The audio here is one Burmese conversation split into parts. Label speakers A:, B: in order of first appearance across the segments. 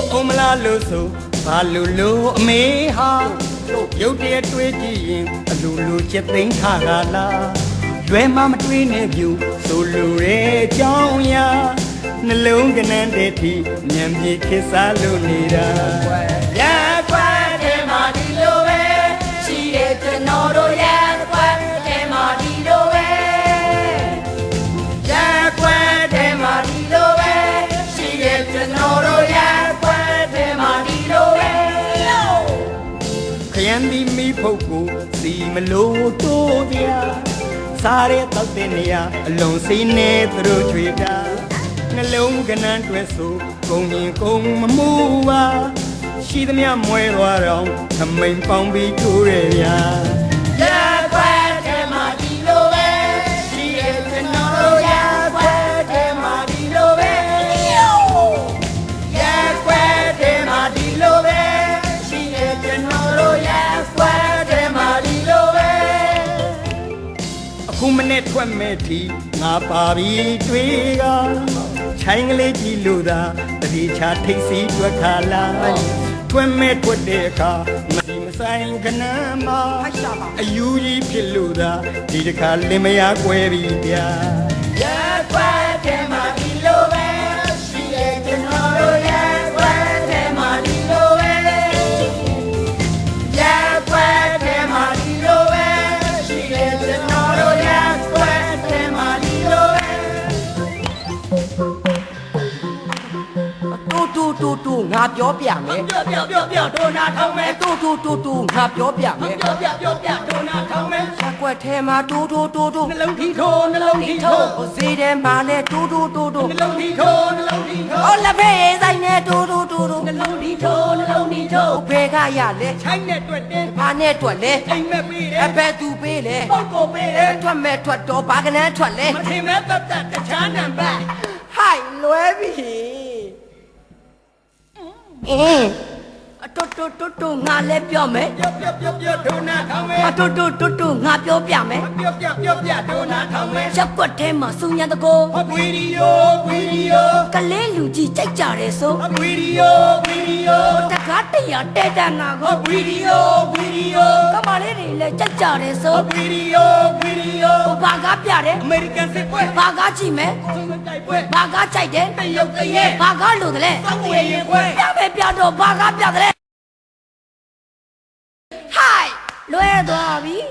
A: Omla Luso, Palulu, Meha, Yodia Twiggy, Lulu Chipping Hagala, Dwema between you, Solure, Jonya, Nalungan and Deti, Nyamji Kisalunida.
B: Yeah, quite a Martilo, she is the Noro, yeah, quite a Martilo, yeah, quite a Martilo, she is the Noro, yeah, quite a Martilo,
A: Candy me poco, see me low to dia. Sare Taltenia, alone seen it through Twitter. Nalungan and Tweso, going home, Mua. She the mere muero, coming from Victoria.
B: yeah, quite a Martilo, she is the Noro, yeah, quite a Martilo, yeah, quite a Martilo, she is the Noro, yeah, quite a Martilo.
A: Kumanet Wameti, Napavi Twiga, Changley Luda, the Richa Tixi Twakala, Twamet Wadeka, Masim Ganama, Ayuji Piluda, Didaka Limea Quevia.
B: Yeah, quite a Martilo, she is the Noro, yeah, quite a Martilo, yeah, quite a Martilo, she is the Noro, yeah, quite a Martilo.
C: Tu ngàပြောပြမယ်
B: ပြောဒိုနာထောင်းမယ်
C: တူငါပြောပြမယ်
B: ပြောဒိုနာထောင်းမယ်
C: ရက်ွက်ထဲမှာတူ
B: နှလုံးထီထိုးနှလုံးထီထိုး
C: ဟိုဈေးထဲမှာလဲတူ
B: နှလုံးထီထိုးနှလုံးထီထိုး
C: ဟိုလက်ဖေးဆိုင်နဲ့တူ
B: နှလုံးထီထိုးနှလုံးထီထိုး
C: ဟိုဖေကရလဲ
B: ချိုင်းနဲ့တွေ့တယ်
C: ဘာနဲ့တွက်လဲ
B: အိမ်မက်ပေးတယ်
C: အဖက်သူပေးလဲ
B: ပုတ်ကိုပေးတယ်
C: ထွက်မဲ့ထွက်တော့ဘာကနန်းထွက်လဲ
B: မထင်မဲ့ပတ်သက်တခြားနံပါတ်
C: ဟိုင်လွဲပြီတူငါလဲပြောမယ်
B: ပြောဒိုနာထောင်းမယ်
C: တူငါပြောပြမယ်
B: ပြောဒိုနာထောင်းမယ်
C: ရက်ွက်ထဲမှာစုံညာတကို
B: ဗီဒီယို
C: ကလေးလူကြီးကြိုက်ကြတယ်ဆို
B: ဗီဒီယို
C: တကားတရားတဲတန်ငါကို
B: ဗီဒီယို
C: ကမလေးတွေလည်းကြိုက်ကြတယ်ဆို
B: ဗီဒီယို
C: ဘာကားပြတယ်
B: အမေရိကန်စစ်ပွဲ
C: ဘာကားကြည့်မယ်
B: သုံးတိုက်ပွဲ
C: ဘာကားကြိုက်တယ်
B: တရုတ်တရဲ
C: ဘာကားလို့တယ်လဲ
B: စောင်းဝေရင်ခွဲ
C: ပြတော့ဘာကားပြတယ်ဟိုင်လွဲသွားပြီ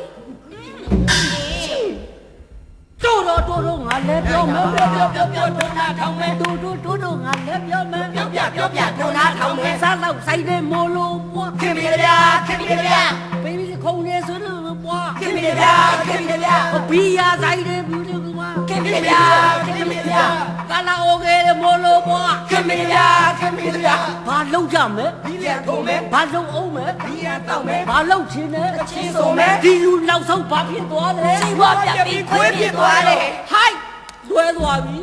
C: တို့ငါလည်းပြောမယ်
B: ပြောဒိုနာထောင်းမယ်
C: တို့ငါလည်းပြောမယ်
B: ပြောဒိုနာထောင်းမယ်
C: စားတော့ဆိုင်နေမိုးလို့ပွား
B: ခင်ဗျာ
C: ဘေဘီခုံနေဆိုလို့ပွား
B: ခင်ဗျာ
C: ဘီယာဆိုင်နေဘူးလို့ပွား
B: ခင်ဗျာ
C: ကာလာအိုကေမိုးလို့ပွား
B: ခင်ဗျာ
C: ဘာလုံးကြမယ်
B: ဒီရထုံးမယ်
C: ဘာလုံးအောင်မယ်
B: ဒီရတောက်မယ်
C: ဘာလုံးချင်းနဲ့
B: ချင်းစုံမယ်
C: ဒီလူနောက်ဆုံးဘာဖြစ်သွားလဲ
B: စီဝါပြပြီးခွေးပြသွားတယ်
C: ဟိုက်လွဲသွားပြီ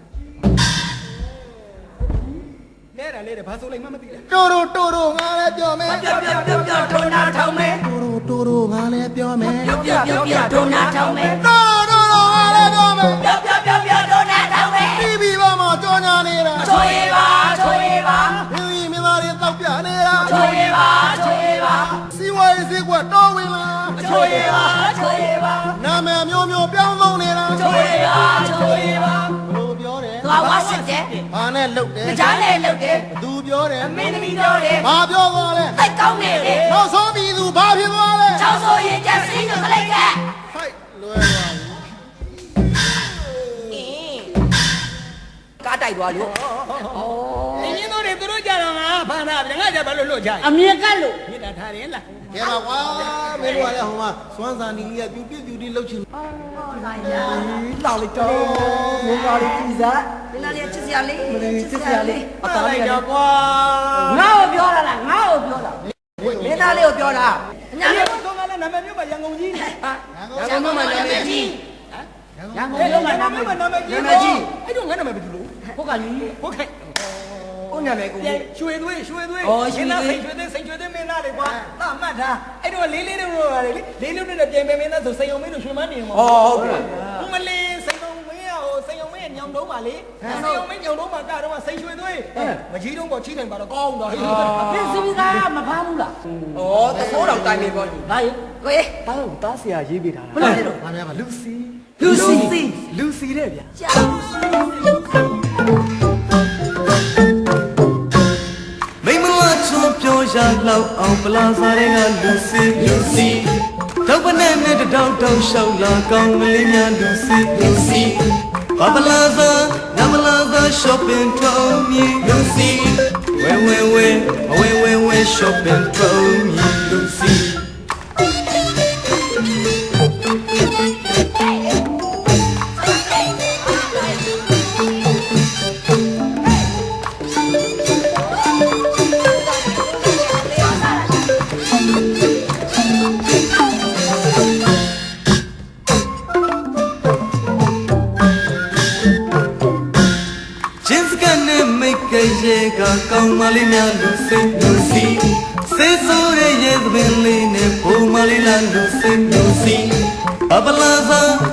A: လဲတာလဲတယ်ဘာဆိုလိုက်မှမသိလဲ
D: တိုးငါလည်းပြောမယ်
B: ပြောဒိုနာထောင်းမယ်
D: တိုးငါလည်းပြောမယ်
B: ပြောဒိုနာထောင်းမယ်
D: တိုးငါလည်းပြောမယ်
B: ပြောဒိုနာထောင်းမယ်
D: တီဗီပေါ်မှာကြောညာနေတာ
B: ချိုးရပါ
D: မင်းကြီးမင်းသားတွေတောက်ပြနေတာ
B: ချိုးရပါ
D: စီဝါရေးစကွက်တော်ဝင်လာ
B: ချိုးရပါ
D: နာမည်မျိုးပြောင်းသုံးနေတာ
B: ချိုးရပါ
D: ဘလို့ပြောတယ်
C: သွားဝါစစ်တယ်
D: ဘာနဲ့လှုပ်တယ်
B: ကြားနဲ့လှုပ်တယ်
D: သူပြောတယ်
B: မင်းသမီးပြောတယ်
D: ဘာပြောသွားလဲ
B: သိကောင်းနေတယ်
D: နောက်ဆုံးပြီးသူဘာဖြစ်သွားလဲ
B: ချောင်းဆိုရင်ကျစင်းကိုခလိုက်ကဲ
D: ဟိုက်လွယ်သွားပြီ
C: ကားတိုက်သွားလို့
A: အင်းင်းတို့တွေသူတို့ကြတော့ငါဖမ်းတာဗျငါကြဘာလို့လွတ်ကြ
C: အမြင်ကတ်လို့
A: မြစ်တာထားတယ်လား
D: ကဲပါကွာမင်းတို့ကလည်းဟိုမှာစွမ်းစာနီကြီးကပြူလှုပ်ချင်
C: တောက်လိုက်တော့မင်းသားလေးကြည်စားမင်းသားလေးချစ်စရာလေးချစ်စရာလေးအသားလေး
A: တော့ကွာ
C: ငါ့ကိုပြောတာလားငါ့ကိုပြောတာမင်းသားလေးကိုပြောတာ
A: ညာမျိုးတော့ကလည်းနာမည်မျိုးပါရန်ကုန်ကြီး
C: ရန်ကုန်မှာနာမည်ကြီးရန်ကုန်
A: အဲ့
C: မှာ
A: တော့
C: နာ
A: နာ
C: မ
A: မ
C: ည်
A: ည်မနာမည်ကြီး
C: နာမည်ကြီး
A: အဲ့တော့ငါနာမည်ဘယ်သူလို့
C: ဟုတ်ကလေး
A: ဟုတ်ကဲ့
C: ကိုနာမည်ကို
A: ရွှေသွေးစိန်ရွှေသွေးမင်းသားလေကွာသတ်မှတ်ထားအဲ့တော့လေးတို့ရတယ်လေလေးနဲ့ပြိုင်ပဲမင်းသားဆိုစိန်အောင်မင်းတို့ရွှေမန်းနေမှာ
C: ဟုတ်ကဲ့
A: မလေးစိန်အောင်မင်းရောစိန်အောင်မင်းညညောင်တုံးပါလေစေအောင်မင်းညောင်တုံးမှာကတော့စိတ်ရွှေသွေးမကြီးတုံးပေါ်ချိတိုင်ပါတော့ကောင်းတော့ဟေး
C: မင်းစီမီကမဖမ်းဘူးလား
A: ဩသဘောတော်တိုင်းနေပေါ့ညီ
C: ဘာရေကိုရေ
E: တားတော့တားဆရာရေးပေးထားတာ
C: ဘယ်လိုလဲတော့
D: ဘာလဲပါ
E: လူစီ
C: လူစီစီ
E: လူစီတဲ့ဗျာ
C: ကြာ
E: မိမလာချွန်ပြောရလောက်အောင်ပလာစားတဲ့ကလူစီလူစီတော့ပနဲ့နဲ့တောက်တောက်ရှောက်လာကောင်းကလေးများလူစီလူစီဘာပလာစားနမလာစား shopping ထုံးမြည်လူစီဝဲ shopping ထုံးမြည်လူစီ ရေကကောင်းမလေးများလူစိလူစီစေဆိုးရဲ့ရေသပင်လေးနဲ့ဘုံမလေးလားလူစိလူစီဘပလာသာ